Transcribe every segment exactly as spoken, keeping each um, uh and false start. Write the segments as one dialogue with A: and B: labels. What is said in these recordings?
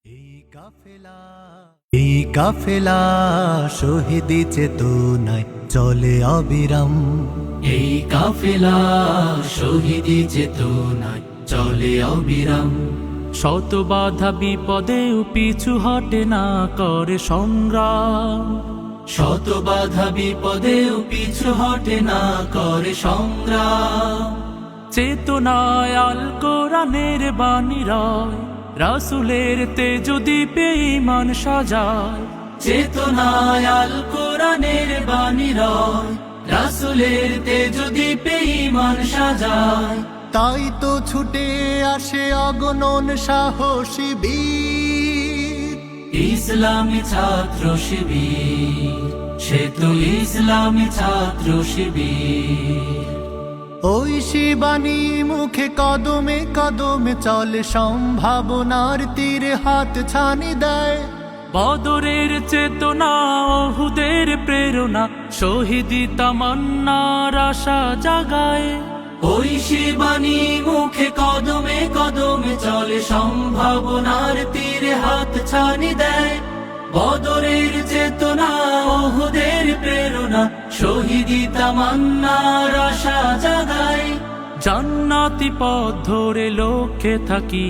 A: এই কাফেলা এই কাফেলা শহীদি চেতনায় চলে অবিরাম।
B: এই কাফেলা শহীদি চেতনায় চলে অবিরাম। শত বাধা বিপদেও পিছু হটে না করে সংগ্রাম। শত বাধা বিপদেও পিছু হটে না করে সংগ্রাম। চেতনায় আল কোরআনের বাণী রয়, রাসূলের তেজ দীপে ঈমান সাজায়। চেতনায় আল কোরআনের বাণী রয়, রাসূলের তেজ দীপে ঈমান সাজায়।
A: তাই তো ছুটে আসে অগণন সাহসী বীর,
B: ইসলামী ছাত্র শিবির। সে তো ইসলামী ছাত্র শিবির।
A: ওই শিবানী মুখে কদমে কদমে চলে, সম্ভাবনার তীরে হাত ছানি দেয়।
B: বদরের চেতনা, ওহুদের প্রেরণা, শহীদি তামান্নার আশা জাগায়। ওই শিবানী মুখে কদমে কদমে চলে, সম্ভাবনার তীরে হাত ছানি দেয়। বদরের চেতনা, ওহুদের প্রেরণা, শহীদি তামান্নার আশা জাগায়। জান্নাতি পথ ধরে লক্ষ্যে থাকি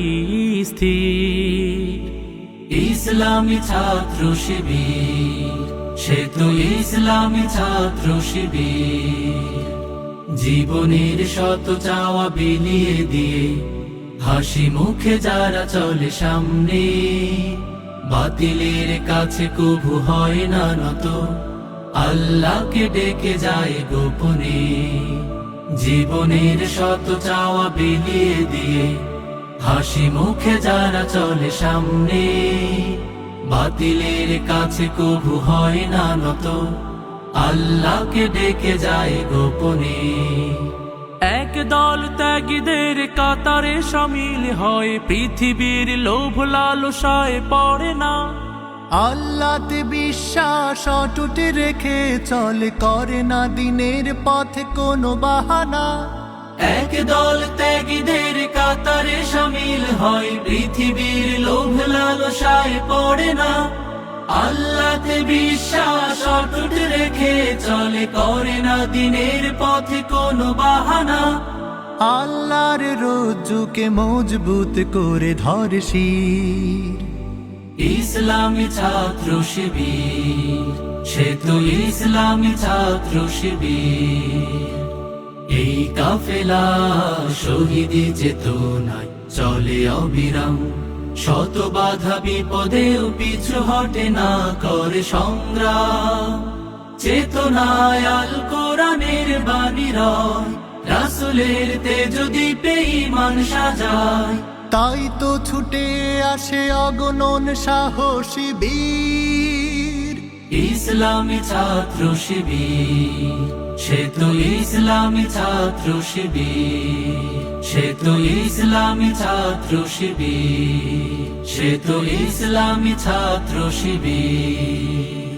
B: স্থির, ইসলামী ছাত্র শিবির। সে তো ইসলামী ছাত্র শিবির। জীবনের শত চাওয়া বিলিয়ে দিয়ে হাসি মুখে যারা চলে সামনে, বাতিলের কাছে কভু হয় না নত, আল্লাহকে ডেকে যায় গোপনে। জীবনের শত চাওয়া বিলিয়ে দিয়ে হাসি মুখে যারা চলে সামনে, বাতিলের কাছে কভু হয় না নত, আল্লাহকে ডেকে যায় গোপনে। এক দল ত্যাগীদের কাতারে শামিল হয়, পৃথিবীর লোভ লালসায় পড়ে না।
A: আল্লাহতে বিশ্বাস অটুট রেখে চলে, করে না দিনের পথে কোনো বাহানা।
B: এক দল ত্যাগীদের কাতারে শামিল হয়, পৃথিবীর লোভ লালসায় পড়ে না। আল্লাহতে বিশ্বাস অটুট রেখে চলে, করে না দিনের পথে কোনো বাহানা।
A: আল্লাহর রজ্জুকে মজবুত করে ধরে শির,
B: ইসলামী ছাত্র শিবির। সে তো ইসলামী ছাত্র শিবির। এই কাফেলা শহীদি চেতনায় চলে অবিরাম। শত বাধা বিপদেও পিছু হটে না করে সংগ্রাম। চেতনায় আল কোরআনের বাণী রয়, রাসূলের তেজ দীপে ঈমান সাজায়।
A: তাই তো ছুটে আসে অগণন সাহসী বীর,
B: ইসলামী ছাত্র শিবির। সে তো ইসলামী ছাত্র শিবির। সে তো ইসলামী ছাত্র শিবির। সে তো ইসলামী ছাত্র শিবির।